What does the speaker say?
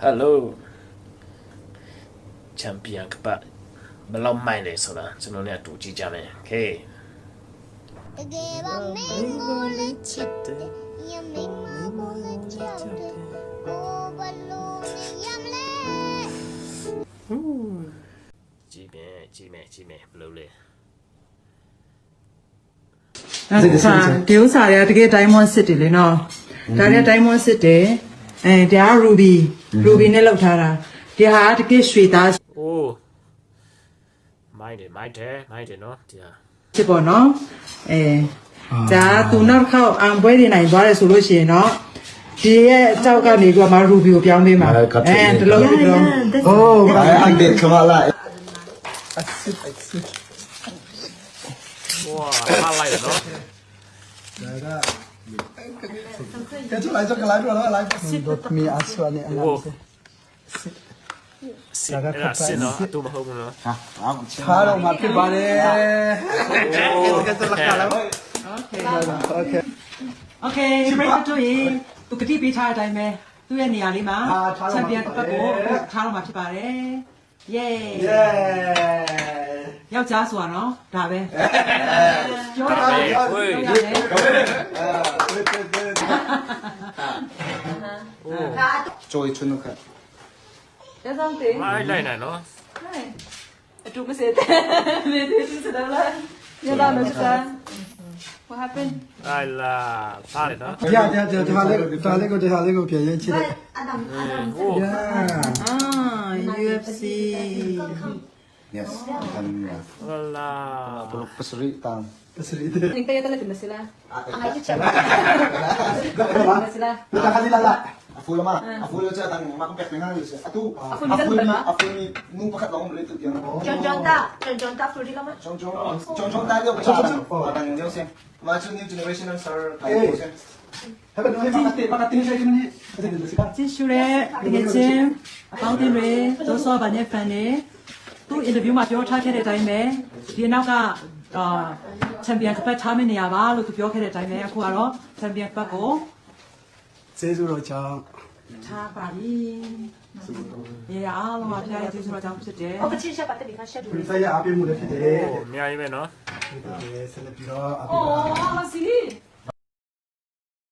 Hello Champion ကပတ်ဘယ်လောက်မိုက်လဲဆိုတာကျွန်တော်လည်းအတူကြည့်ကြမယ် Okay တကယ်ပါမင်းကိုလေးချစ်တယ်ရမင်းမကိုလေးချစ်တယ်ကိုဘလို့နေရမလဲကြည့်မယ်ဘယ်လိုလဲဒီဥစ္စာတွေကတကယ် diamond စစ်တယ်လေနော်ဒါတွေက diamond စစ်တယ်ဒါက ruby နဲ့လောက်ထားတာဒီဟာတကယ်ရွှေသားအိုးမိုက်တယ်နော်ဒီဟာဖြစ်ပေါ့နော်ဒါသူနောက်ခေါက်အောင်ပွဲနေနိုင်သွားတယ်ဆိုလို့ရှိရင်တော့ဒီရဲ့အကြောက်ကနေကမှ ruby ကိုပြောင်းပေးမှာတလုံးဒီလုံး Oh, I did come out like. ဝါအားလိုက်နော် Cái chỗ lại cho cái lái rồi đó lái. Đột mi áo xua này anh โอ้ làm. စစ်အဲ့ဒါစစ်နော်အတူမဟုတ်ဘူးနော် Hả? Khá đâu mà cái bà đi. Cái chỗ lại lái. Okay. Okay break တို့ရေသူကတိပေးထားတဲ့အတိုင်းပဲသူ့ရဲ့နေရာလေးမှာ champion တစ်ပတ်ကိုထားတော့မှာဖြစ်ပါတယ် yay Yeah. ယောက်ျားဆိုတာနော်ဒါပဲပြောတာဝေး Trôi chân nó khẩn. ဒါဆောင်တေးမိုက်လိုက်နော်အတူမစတဲ့မေးသေးစတယ်လားညလာမစမ်း what happened အိုင်လာစားတယ်နော် Ja, det här lägger jag inte. Adam โอ้ Yeah. UFC Yes. Kan ဟလာ pasri tang. Pasri. Ning tayo talaga na sila ang ayun siya na sila Kita kali lala. Afu lama. Afu lo cha tang makumpek na nga. Atu. Afu ni nung pakat lang ulit yan. John ta fruity ka man Chong tayo pa cha. Tang yo sen. Watch new generation and star tayo sen. Haban no makati sa ni. Kasi dito sika. ကြည့်ရှုတဲ့တကယ်ချင်းအပေါင်းအသင်းတွေဒိုးစောပါနဲ့ဖန်တွေသူ့ interview မှာပြောထားခဲ့တဲ့အတိုင်းပဲဒီနောက်ကချန်ပီယံကပတ်ထားမယ့်နေရာပါလို့သူပြောခဲ့တဲ့အတိုင်းပဲအခုကတော့ချန်ပီယံကပတ်ကိုကျေးဇူးတော်ကြောင့်ထားပါပြီရေအားလုံးပါဖျားရဲ့ကျေးဇူးတော်ကြောင့်ဖြစ်တယ် o kasi siya pati bigla siya ဒီဆိုင်ရအပြည့်မှုလည်းဖြစ်တယ်အများကြီးပဲနော်ဆက်လက်ပြီးတော့အပြโอ้ည့် la si